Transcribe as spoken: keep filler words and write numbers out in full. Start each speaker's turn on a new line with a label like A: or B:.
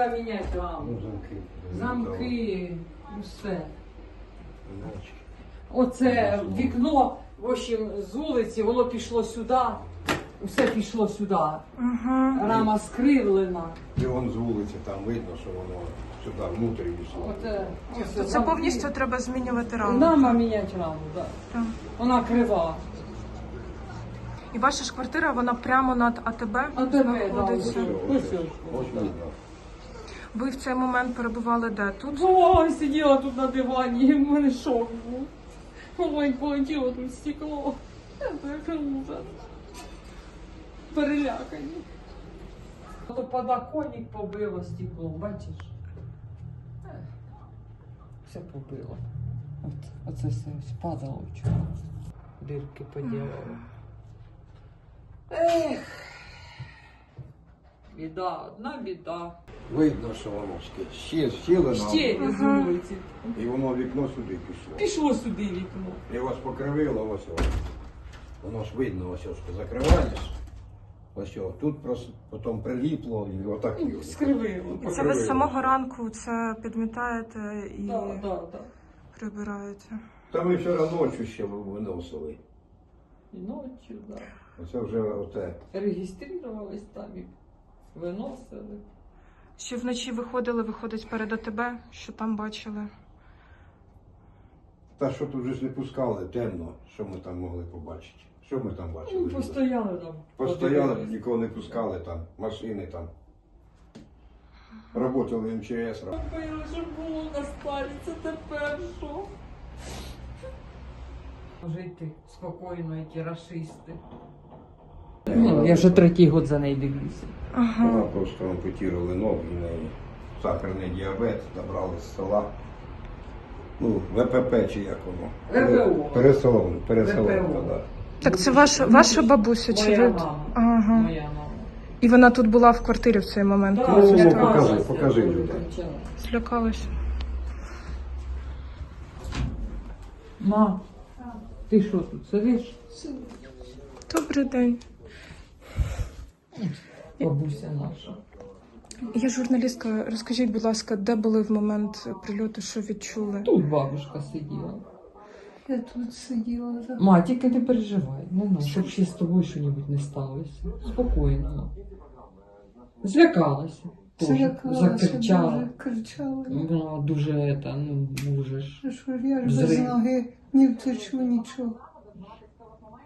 A: треба міняти раму.
B: Ну, замки.
A: Замки, все.
B: Замочки.
A: Оце вікно, в общем, з вулиці, воно пішло сюди, все пішло сюди.
C: Угу.
A: Рама скривлена.
B: І вон з вулиці там видно, що воно сюди внутрі пішло.
A: Оце,
C: Це
A: замки.
C: повністю треба змінювати раму.
A: Рама міняти раму, так.
C: Так.
A: Вона крива.
C: І ваша ж квартира, вона прямо над АТБ
A: А тебе,
C: знаходиться.
A: да, ось.
B: Ось видно.
C: Ви в цей момент перебували де? Тут?
A: Ой, сиділа тут на дивані, і в мене шок був. Ой, полетіло тут стекло. Це ужас. Перелякані. То подоконник побило стекло, бачиш? Ех, все побило. От, оце все спадало вчора. Дирки поділили. Ех. Біда, одна біда.
B: Видно, що воно ще ще щілено.
A: Ще з вулиці.
B: І воно вікно сюди пішло.
A: Пішло сюди вікно.
B: І ось покривило, ось воно. Воно ж видно, ось ось закриваєш. Ось ось. Тут просто потім приліпло і отак. і ось.
A: Скривило.
C: І це ви з самого ранку це підмітаєте і
A: Так, так, так.
C: прибираєте.
B: Та ми вчора ночі ще виносили.
A: І ночі, так.
B: Оце вже оте.
A: Реєструвались там і виносили.
C: Ще вночі виходили, виходить перед АТБ, що там бачили?
B: Та що тут вже ж не пускали, темно, що ми там могли побачити. Що ми там бачили?
A: Ну, постояли там.
B: Постояли,
A: подивились.
B: нікого не пускали там, машини там. Работали ем че ес.
A: Робили, що було на сталі, це тепер що? Жити спокійно, ті рашисти. Ну, я вже третій год за нею дивлюся.
C: Ага.
B: Вона просто ампутували ноги, в неї сахарний діабет, набрали з села. Ну, ве пе пе чи як воно?
A: ВПО.
B: Переселено, переселено,
A: ВПО.
B: так.
C: Так це ваша, ваша бабуся чи
A: Моя
C: ви?
A: мама.
C: Ага.
A: Моя мама.
C: І вона тут була в квартирі в цей момент,
A: Так,
C: коли
B: Ну,
C: це
B: ну,
C: сталося?
B: покажи,
A: злякалася,
B: покажи
A: дуже
B: людям.
A: кричала.
C: Злякалася.
A: Ма, ти що тут сидиш?
C: Добрий день.
A: Бабуся наша.
C: Я журналістка. Розкажіть, будь ласка, де були в момент прильоту, що відчули?
A: Тут бабушка сиділа.
D: Я тут сиділа. за-
A: Ма, тільки не переживай, не надо, щоб ще з тобою щось не сталося. Спокійно. Злякалася. Тоже.
D: Злякалася,
A: Закричала.
D: дуже кричала.
A: Вона дуже, это, ну, можеш.
D: Що ж я ж без
A: Взрив.
D: ноги не втечу нічого.